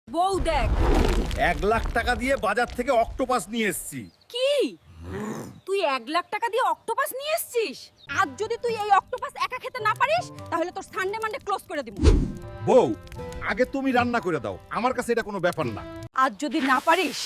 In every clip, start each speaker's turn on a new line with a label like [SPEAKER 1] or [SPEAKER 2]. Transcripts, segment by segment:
[SPEAKER 1] বউ দেখ।
[SPEAKER 2] 1,00,000 টাকা দিয়ে বাজার থেকে অক্টোপাস নিয়ে এসেছি।
[SPEAKER 1] কি তুই 1,00,000 টাকা দিয়ে অক্টোপাস নিয়ে এসেছিস? আজ যদি তুই এই অক্টোপাস একা খেতে না পারিস তাহলে তোর সানডে মানডে ক্লোজ করে দিব।
[SPEAKER 2] বউ, আগে তুমি রান্না করে দাও, আমার কাছে এটা কোনো ব্যাপার না।
[SPEAKER 1] আজ যদি না পারিস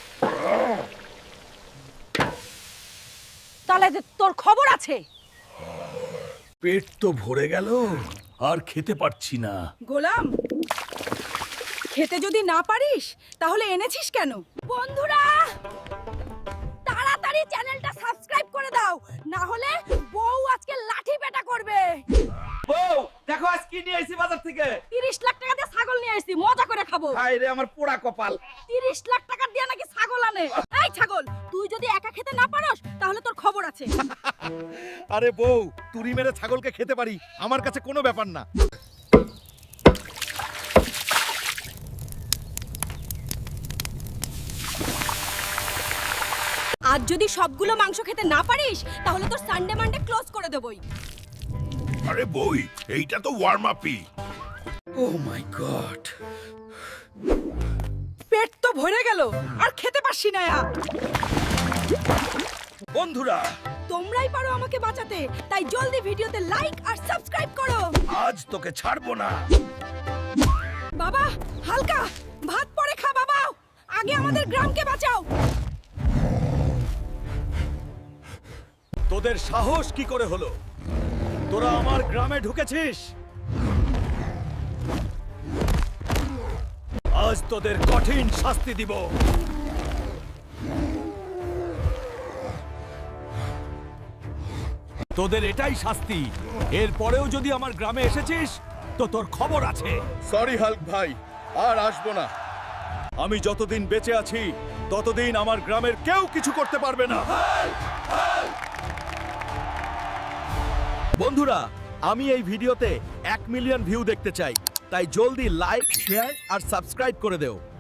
[SPEAKER 1] তাহলে তোর খবর আছে।
[SPEAKER 3] পেট তো ভরে গেল, আর খেতে পারছি না।
[SPEAKER 1] গোলাম, খেতে যদি না পারিস তাহলে এনেছিস কেন? বন্ধুরা, তাড়াতাড়ি চ্যানেলটা সাবস্ক্রাইব করে দাও, না হলে বউ আজকে লাঠি পেটা করবে।
[SPEAKER 2] বউ, দেখো আজ কি নিয়ে আইছি বাজার থেকে।
[SPEAKER 1] 30 লাখ টাকা দিয়ে ছাগল নিয়ে আসছি, মজা করে খাবো।
[SPEAKER 2] হায় রে আমার পোড়া কপাল।
[SPEAKER 1] 30 লাখ টাকা দিয়ে নাকি ছাগল আনে? এই ছাগল, তুই যদি একা খেতে না পারস তাহলে তোর খবর আছে।
[SPEAKER 2] আরে বউ, তুরি মেরে ছাগলকে খেতে পারি, আমার কাছে কোনো ব্যাপার না।
[SPEAKER 1] আজ যদি সবগুলো মাংস খেতে না পারিস তাহলে তোর সানডে মানডে ক্লোজ করে দেবই।
[SPEAKER 3] আরে বই, এইটা তো ওয়ার্ম আপই। ও মাই গড,
[SPEAKER 1] পেট তো ভরে গেল, আর খেতে পারছি না।
[SPEAKER 2] বন্ধুরা,
[SPEAKER 1] তোমরাই পারো আমাকে বাঁচাতে, তাই জলদি ভিডিওতে লাইক আর সাবস্ক্রাইব করো।
[SPEAKER 3] আজ তোকে ছাড়বো না।
[SPEAKER 1] বাবা, হালকা ভাত পরে খা বাবা, আগে আমাদের গ্রামকে বাঁচাও।
[SPEAKER 2] তোদের সাহস কি করে হলো? তোরা আমার গ্রামে ঢুকেছিস? আজ তোদের কঠিন শাস্তি দিব। তোদের এটাই শাস্তি। এরপরেও যদি আমার গ্রামে এসেছিস তো তোর খবর আছে। সরি হাল্ক ভাই, আর আসবো না। আমি যতদিন বেঁচে আছি ততদিন আমার গ্রামের কেউ কিছু করতে পারবে না। বন্ধুরা, আমি এই ভিডিওতে 1 মিলিয়ন ভিউ দেখতে চাই, তাই জলদি লাইক, শেয়ার আর সাবস্ক্রাইব করে দেও।